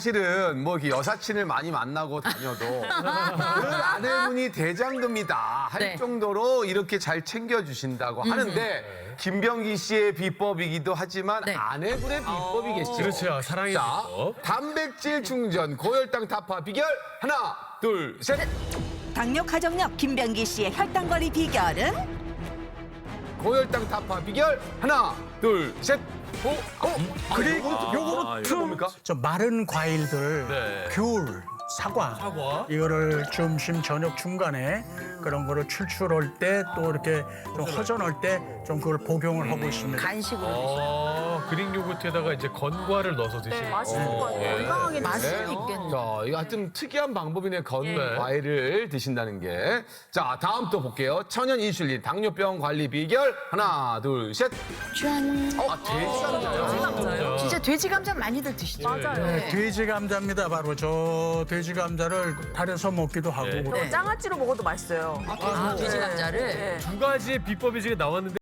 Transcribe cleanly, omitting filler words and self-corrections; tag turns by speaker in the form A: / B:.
A: 사실은 뭐 이렇게 여사친을 많이 만나고 다녀도 그 아내분이 대장금이다 할
B: 네.
A: 정도로 이렇게 잘 챙겨주신다고 하는데 김병기 씨의 비법이기도 하지만
B: 네.
A: 아내분의 비법이겠죠.
C: 그렇죠. 사랑의
A: 자,
C: 비법.
A: 단백질 충전 고혈당 타파 비결 하나, 둘, 셋.
D: 당뇨 가정력 김병기 씨의 혈당 관리 비결은
A: 고혈당 타파 비결 하나, 둘, 셋. 그리고 요거는 뭡니까?
E: 저 마른 과일들,
C: 네.
E: 귤, 사과, 이거를 점심 저녁 중간에 그런 거를 출출할 때 또 이렇게 좀 허전할 때 좀 그걸 복용을 하고 있습니다.
B: 간식으로
C: 그릭 요거트에다가 이제 건과를 넣어서 드시는 거.
F: 맛있을 것 같아요. 건강하게
B: 맛은 있겠네.
A: 자, 이거 하여튼 특이한 방법이네. 과일을 드신다는 게. 자, 다음 또 볼게요. 천연 인슐린 당뇨병 관리 비결 하나, 둘, 셋.
B: 짠.
A: 돼지 감자요.
B: 진짜 돼지 감자 많이들 드시죠?
F: 맞아요.
E: 네, 돼지 감자입니다. 바로 저 돼지 감자를 달여서 먹기도 하고.
B: 네.
F: 장아찌로 먹어도 맛있어요.
B: 돼지 감자를.
F: 네.
C: 두 가지의 비법이 지금 나왔는데